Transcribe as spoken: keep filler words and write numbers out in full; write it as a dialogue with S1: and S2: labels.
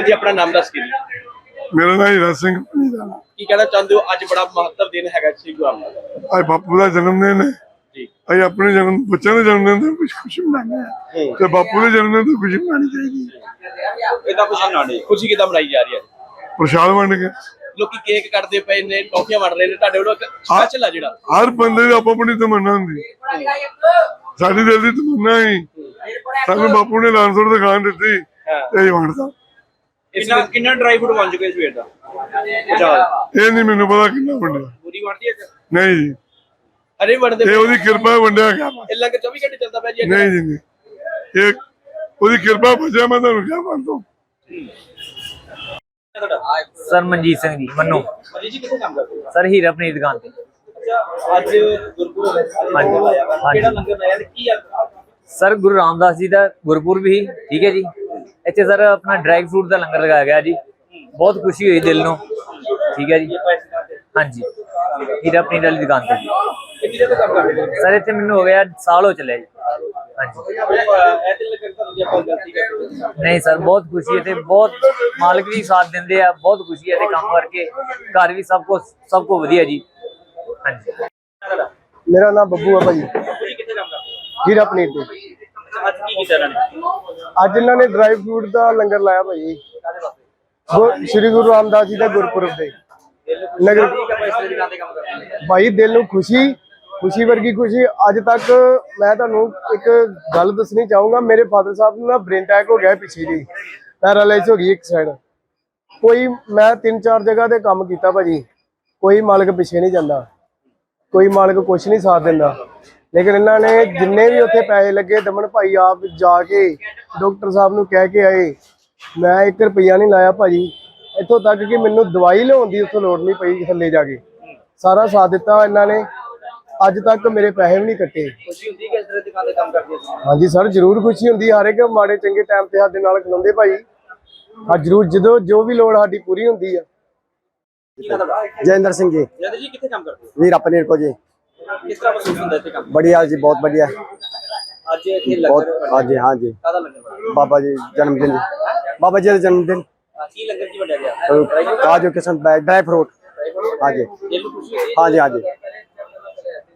S1: जी अपना नाम दस के
S2: मेरा नाम हीरा सिंह
S1: की कहना चाहते हो अज बड़ा महत्व दिन है श्री गुरु रामदास
S2: आज बापू का जन्मदिन है
S1: जी
S2: अज अपने जन्म बच्चों के जन्मदिन तो कुछ खुशी मनाने हैं तो बापू के जन्मदिन तो खुशी मनानी चाहिए
S1: इदा खुशी मनानी खुशी किदा मनाई जा रही है
S2: प्रसाद वंड के
S1: लोग केक कटते पे ने टॉफियां वंड रहे ने ਤੁਹਾਡੇ ਵੱਲੋਂ ਸਪੈਸ਼ਲ ਆ ਜਿਹੜਾ
S2: हर बंदे ਦੀ ਆਪੋ ਆਪਣੀ ਤਮੰਨਾ ਹੁੰਦੀ ਸਾਡੀ ਦਿਲ ਦੀ ਤਮੰਨਾ ਹੀ ਸਾਨੂੰ ਬਾਪੂ ਨੇ ਲਾਂਸਰ ਦਿਖਾਣ ਦਿੱਤੀ ਤੇ ਇਹ ਵੰਡਦਾ
S1: ਕਿੰਨਾ ਕਿੰਨਾ ਡਰਾਈ ਫਰੂਟ ਬਣ ਚੁੱਕੇ ਸਵੇਰ ਦਾ
S2: ਇਹ ਨਹੀਂ ਮੈਨੂੰ ਪਤਾ ਕਿੰਨਾ ਵੰਡਿਆ
S1: ਪੂਰੀ ਵੰਡਦੀ ਹੈ
S2: ਨਹੀਂ ਜੀ
S1: ਅਰੇ ਵੰਡਦੇ
S2: ਇਹ ਉਹਦੀ ਕਿਰਪਾ ਵੰਡਿਆ ਗਿਆ
S1: ਇਹ ਲੰਗਰ ਚੌਵੀ ਘੰਟੇ ਚੱਲਦਾ ਪਿਆ ਜੀ
S2: ਨਹੀਂ ਜੀ ਨਹੀਂ ਇਹ ਉਹਦੀ ਕਿਰਪਾ ਬਚਿਆ ਮੈਂ ਤੁਹਾਨੂੰ ਕਿਹਾ ਮੰਨ ਦੋ
S3: सर मनजीत सिंह जी मन्नू
S1: ਮਨੀ ਜੀ ਕਿੱਥੇ ਕੰਮ ਕਰਦੇ ਹੋ
S3: सर हीरा अपनी दुकान पे
S1: ਅੱਛਾ ਅੱਜ ਗੁਰਪੁਰਬ ਹੈ ਕਿਹੜਾ ਲੰਗਰ ਲਾਇਆ ਤੇ ਕੀ ਆ
S3: सर गुरु रामदास जी का गुरपुरब ही ठीक है जी इतने सर अपना ड्राई फ्रूट का लंगर लगाया गया जी बहुत खुशी हुई दिल को ठीक है जी हाँ जी हीरा अपनी वाली दुकान पे
S1: ਕਿੰਨੀ ਦੇਰ ਤੋਂ ਕੰਮ ਕਰਦੇ ਹੋ
S3: सर इतने मैनू हो गया साल हो चले जी हाँ जी
S1: ਇਹ ਤੇ ਲੰਗਰ ਤੁਹਾਨੂੰ ਜੇ ਆਪਾਂ ਗਲਤੀ ਕਰਦੇ
S3: नहीं सर बहुत खुशी है ते बहुत मालिक भी साथ देंदे आ बहुत खुशी है ते काम करके घर भी सबको सबको वधिया जी हाँ जी
S4: मेरा नाम बब्बू है भाई
S1: ਤੁਸੀਂ ਕਿੱਥੇ ਕੰਮ ਕਰਦੇ ਹੋ
S4: हीरा पनीर पे
S1: ਅੱਜ ਕੀ ਕੀਤਾ ਇਹਨਾਂ ਨੇ
S4: ਅੱਜ ਇਹਨਾਂ ਨੇ ਡਰਾਈ ਫਰੂਟ ਦਾ ਲੰਗਰ ਲਾਇਆ ਭਾਈ ਗੁਰ- ਸ਼੍ਰੀ ਗੁਰੂ ਰਾਮਦਾਸ ਜੀ ਦਾ ਗੁਰਪੁਰਬ ਦੇ ਨਗਰ
S1: ਦੁਕਾਨ ਤੇ ਕੰਮ ਕਰਦੇ ਹੋ
S4: ਭਾਈ ਦਿਲ ਨੂੰ ਖੁਸ਼ੀ ਖੁਸ਼ੀ ਵਰਗੀ ਖੁਸ਼ੀ ਅੱਜ ਤੱਕ ਮੈਂ ਤੁਹਾਨੂੰ ਇੱਕ ਗੱਲ ਦੱਸਣੀ ਚਾਹੂੰਗਾ ਮੇਰੇ ਫਾਦਰ ਸਾਹਿਬ ਨੂੰ ਨਾ ਬ੍ਰੇਨ ਅਟੈਕ ਹੋ ਗਿਆ ਪਿੱਛੇ ਜੀ ਪੈਰਾਲਾਈਜ਼ ਹੋ ਗਈ ਇੱਕ ਸਾਈਡ ਕੋਈ ਮੈਂ ਤਿੰਨ ਚਾਰ ਜਗ੍ਹਾ ਤੇ ਕੰਮ ਕੀਤਾ ਭਾਜੀ ਕੋਈ ਮਾਲਕ ਪਿੱਛੇ ਨਹੀਂ ਜਾਂਦਾ ਕੋਈ ਮਾਲਕ ਕੁਛ ਨਹੀਂ ਸਾਥ ਦਿੰਦਾ ਲੇਕਿਨ ਇਹਨਾਂ ਨੇ ਜਿੰਨੇ ਵੀ ਉੱਥੇ ਪੈਸੇ ਲੱਗੇ ਦਮਨ ਭਾਈ ਆਪ ਜਾ ਕੇ ਡਾਕਟਰ ਸਾਹਿਬ ਨੂੰ ਕਹਿ ਕੇ ਆਏ ਮੈਂ ਇੱਕ ਰੁਪਈਆ ਨਹੀਂ ਲਾਇਆ ਭਾਜੀ ਇੱਥੋਂ ਤੱਕ ਕਿ ਮੈਨੂੰ ਦਵਾਈ ਲਿਆਉਣ ਦੀ ਉੱਥੋਂ ਲੋੜ ਨਹੀਂ ਪਈ ਥੱਲੇ ਜਾ ਕੇ ਸਾਰਾ ਸਾਥ ਦਿੱਤਾ ਇਹਨਾਂ ਨੇ ਅੱਜ ਤੱਕ ਮੇਰੇ ਪੈਸੇ ਵੀ ਨਹੀਂ ਕੱਟੇ
S1: ਖੁਸ਼ੀ ਹੁੰਦੀ ਕਿ ਇਸ ਤਰ੍ਹਾਂ ਦੁਕਾਨ ਤੇ ਕੰਮ ਕਰਦੇ ਹੋ
S4: ਹਾਂਜੀ ਸਰ ਜ਼ਰੂਰ ਖੁਸ਼ੀ ਹੁੰਦੀ ਹਰ ਇੱਕ ਮਾੜੇ ਚੰਗੇ ਟਾਈਮ ਤੇ ਸਾਡੇ ਨਾਲ ਖਲੋਂਦੇ ਭਾਈ ਹਾਂ ਜ਼ਰੂਰ ਜਦੋਂ ਜੋ ਵੀ ਲੋੜ ਸਾਡੀ ਪੂਰੀ ਹੁੰਦੀ ਆ
S1: ਕੀ ਨਾਮ ਤੁਹਾਡਾ
S4: जयेंद्र सिंह जी
S1: ਜਦ ਜੀ ਕਿੱਥੇ ਕੰਮ ਕਰਦੇ ਹੋ
S4: वीरा पनीर को जी
S1: ਕਿਸ ਤਰ੍ਹਾਂ ਮਹਿਸੂਸ ਹੁੰਦਾ ਇੱਥੇ ਕੰਮ
S4: बढ़िया जी बहुत बढ़िया
S1: ਅੱਜ ਇੱਥੇ
S4: बहुत
S1: ਲੰਗਰ
S4: हाँ जी हाँ जी
S1: ਕਾਹਦਾ ਲੰਗਰ
S4: बाबा जी जन्मदिन जी बाबा जी का जन्मदिन
S1: ਆ ਕੀ ਲੰਗਰ ਕੀ ਵੰਡਿਆ ਗਿਆ
S4: काजू किस्म ड्राई फ्रूट हाँ जी
S1: ਦਿਲ ਨੂੰ ਖੁਸ਼ੀ ਹੋਈ
S4: हाँ जी हाँ जी